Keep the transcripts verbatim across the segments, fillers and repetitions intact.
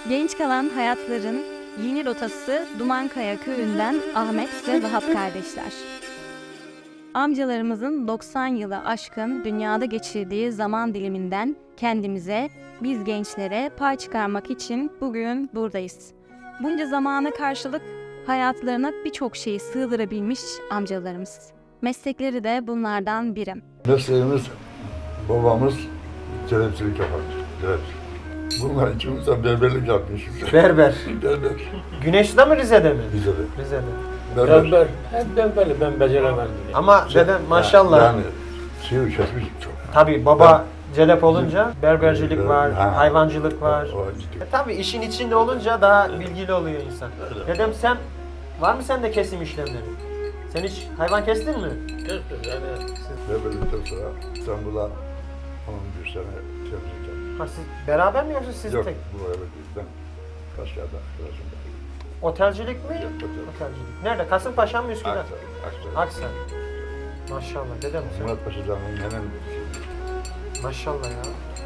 Genç kalan hayatların yeni rotası Dumankaya köyünden Ahmet ve Vahap kardeşler. Amcalarımızın doksan yılı aşkın dünyada geçirdiği zaman diliminden kendimize, biz gençlere pay çıkarmak için bugün buradayız. Bunca zamana karşılık hayatlarına birçok şeyi sığdırabilmiş amcalarımız. Meslekleri de bunlardan biri. Mesleğimiz, babamız kelepçilik yapardı. Kelepçilik. Bunlar ikimiz de berberlik yapmışız. Berber. Berber. Güneşli'de mi Rize'de mi? Rize'de. Rize'de. Berber. Berber, hep berberli, ben beceremedim. Ama dedem maşallah. Yani şey kesmiş çok. Tabii baba celep olunca berbercilik var, Ha. hayvancılık var. O, o ciddi. E tabii işin içinde olunca daha bilgili oluyor insan. Dedem sen, var mı sende kesim işlemleri? Sen hiç hayvan kestin mi? Kestim yani. Berberlikten sonra İstanbul'a on bir sene temizlik yaptım. Ha siz beraber mi yoksa siz Yok, tek? bu eve gittim. Kaşgar'da arkadaşım var. Otelcilik mi? Yok, otel. Otelcilik. Nerede? Kasımpaşa mı Üsküdar? Aksaray. Aksaray. Aksaray. Maşallah dedem sen. Murat Paşa Can'ın hemen Maşallah ya.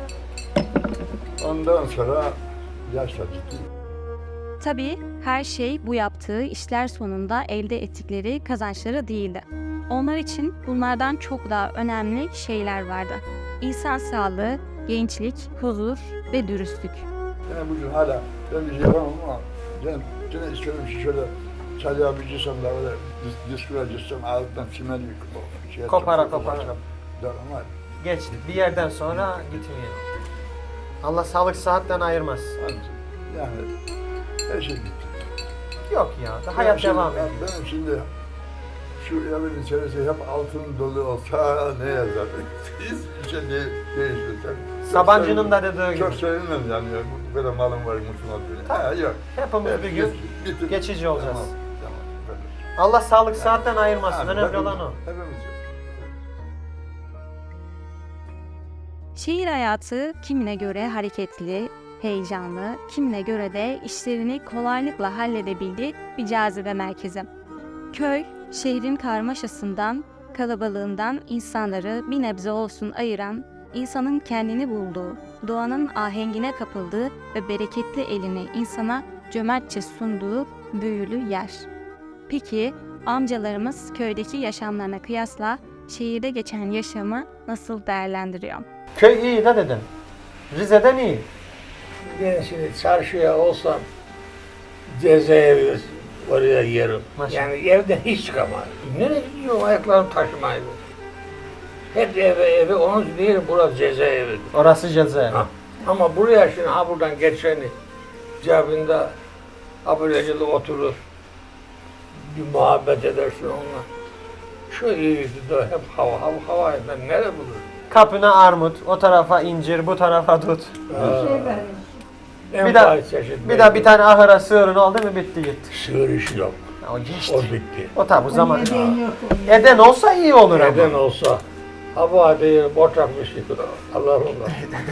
ondan sonra yaşla ciddi. Tabii her şey bu yaptığı işler sonunda elde ettikleri kazançları değildi. Onlar için bunlardan çok daha önemli şeyler vardı. İnsan sağlığı, gençlik, huzur ve dürüstlük. Yani bugün hala ben bir şey yapamam ama ben gene istiyorum ki şöyle çalıya bir cisem de öyle dis, diskura cisem ağzından çimen yıkıp şey Kopara yapacağım, kopara. yapacağım. Der ama Geçti. Bir yerden sonra gitmiyor. Allah sağlık sıhhatten ayırmaz. yani her şey gitti. Yok ya. da Yani Hayat şimdi- devam ben- ediyor. Benim şimdi şu evin içerisi hep altın dolu olsa ne yazar? Hiçbir şey de değişmez. Sabancı'nın da dediği Çok gibi. sevinmem yani. Bu kadar malım var, mutlum ol. Ha yok. Hepimiz bir gün Bitir. geçici olacağız. Tamam, tamam. Böyle. Allah sağlık sıhhatten ayırmasın. Ha, Önemli hepimiz- olan o. Hepimiz yok. Şehir hayatı kimine göre hareketli, heyecanlı, kimine göre de işlerini kolaylıkla halledebildiği bir cazibe merkezi. Köy, şehrin karmaşasından, kalabalığından insanları bir nebze olsun ayıran, insanın kendini bulduğu, doğanın ahengine kapıldığı ve bereketli elini insana cömertçe sunduğu büyülü yer. Peki amcalarımız köydeki yaşamlarına kıyasla şehirde geçen yaşamı nasıl değerlendiriyor? Köy iyi de dedem. Rize'den iyi. Ben şimdi çarşıya olsam cezaevi oraya yerim. Maşallah. Yani evden hiç çıkamam. Nereye gidiyorum ayaklarım taşımaydı. Hep eve eve onun değil burası cezaevi. Orası cezaevi. Ha. Ama buraya şimdi ha buradan geçeni cebinde abilecili oturur. Bir muhabbet edersin onunla. Şu iyiydi de hep hava hava hava ben nereye bulurum? Kapına armut, o tarafa incir, bu tarafa dut. En Bir daha- fazla çeşit Bir daha bir tane ahıra sığırın oldu mu bitti gitti. sığır işi yok. Ya o geçti. O bitti. O tabi bu zaman. Eden olsa iyi olur ama. Neden olsa hava değil, boşak bir şey. Allah Allah.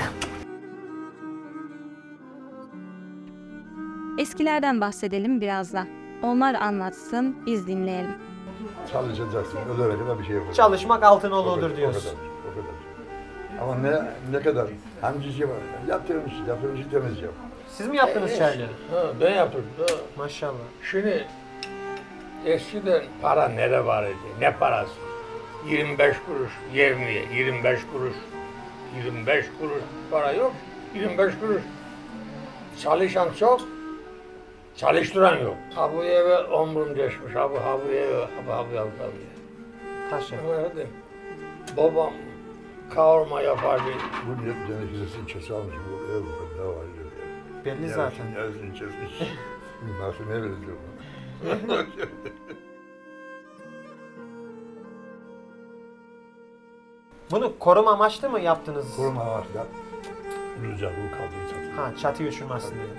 Eskilerden bahsedelim biraz da. Onlar anlatsın, biz dinleyelim. Çalışacaksın, ölene kadar bir şey yapacaksın. Çalışmak altın O kadar, oludur o diyoruz. kadar, o kadar. Ama ne ne kadar? Hangi şey var? Yaptığım işi, yaptığım işi temiz yap. Siz mi yaptınız çayları? Ha, ben yaptım. Ha. Maşallah. Şimdi eskiden para nere var idi? Ne parası? yirmi beş kuruş, yirmi, yirmi beş kuruş, yirmi beş kuruş para yok. yirmi beş kuruş. Çalışan çok, çalıştıran yok. Ha bu eve omrum geçmiş, ha bu, ha bu eve, ha bu, ha bu, ha bu, ha bu. Taş yap. Öyle. Babam kavurma yapardı. Bu ne denizlisin çası almış bu ev bu kadar var diyor. Belli zaten. Yazın çesmiş. Nasıl ne benziyor bu? Bunu koruma amaçlı mı yaptınız? Koruma var da rüzgar bu kaldırı satıyor. Ha, çatı uçurmasın diye.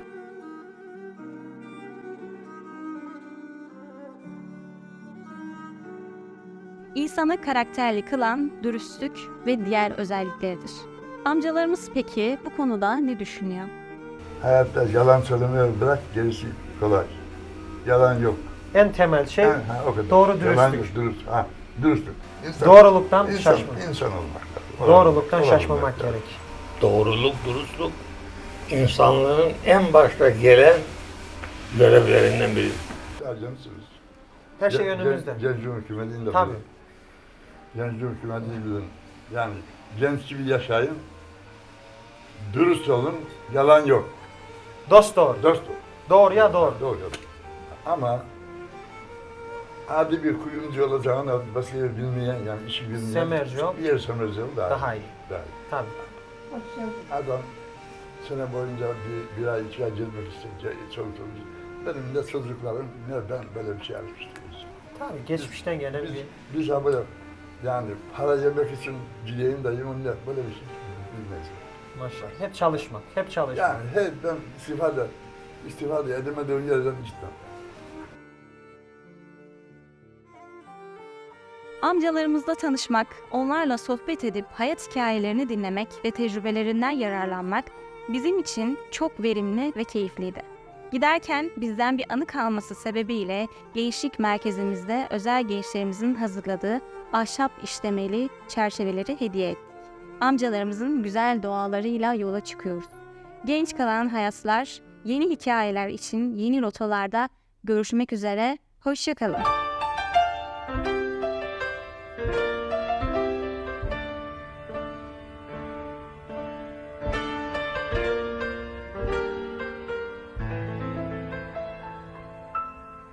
İnsanı karakterli kılan dürüstlük ve diğer özellikleridir. Amcalarımız peki bu konuda ne düşünüyor? Hayatta yalan söylemeyi bırak, gerisi kolay. Yalan yok. En temel şey Ha, ha, o kadar. doğru Yalan dürüstlük. yok, dürüst. Ha, dürüstlük. İnsan, Doğruluktan insan, şaşma. İnsan olmak lazım. Doğruluktan Olan şaşmamak olmak lazım. gerek. Doğruluk, dürüstlük insanlığın en başta gelen görevlerinden biri. Acemsiniz. Her şey önümüzde. Gençlik hükümetiyle de Tabii. bilin. Gençlik hükümetiyle bilin. Yani genç gibi yaşayın. Dürüst olun. Yalan yok. Dost doğru. Dost olun. Doğruya doğru. Doğru. Ama adi bir kuyumcu olacağını başka yer bilmeyen, yani işi bilmeyen Semerci ol. bir yer semerci ol daha, Daha iyi. Daha iyi. Tabii. Adam sene boyunca bir, bir ay, iki ay gezmek isteyince çoluk çocuk. Benim de çocuklarım, ne ben böyle bir şey yapmıştım. Tabii geçmişten gelen Biz, bir biz ha böyle, yani para yemek için gideyim de yiyeyim de böyle bir şey bilmeyiz. maşallah. Hep çalışmak. Hep çalışmak. Yani hep ben istifade, istifade edemediğim yerden gitmem. Amcalarımızla tanışmak, onlarla sohbet edip hayat hikayelerini dinlemek ve tecrübelerinden yararlanmak bizim için çok verimli ve keyifliydi. Giderken bizden bir anı kalması sebebiyle gençlik merkezimizde özel gençlerimizin hazırladığı ahşap işlemeli çerçeveleri hediye ettik. Amcalarımızın güzel dualarıyla yola çıkıyoruz. Genç kalan hayatlar, yeni hikayeler için yeni rotalarda görüşmek üzere, hoşça kalın.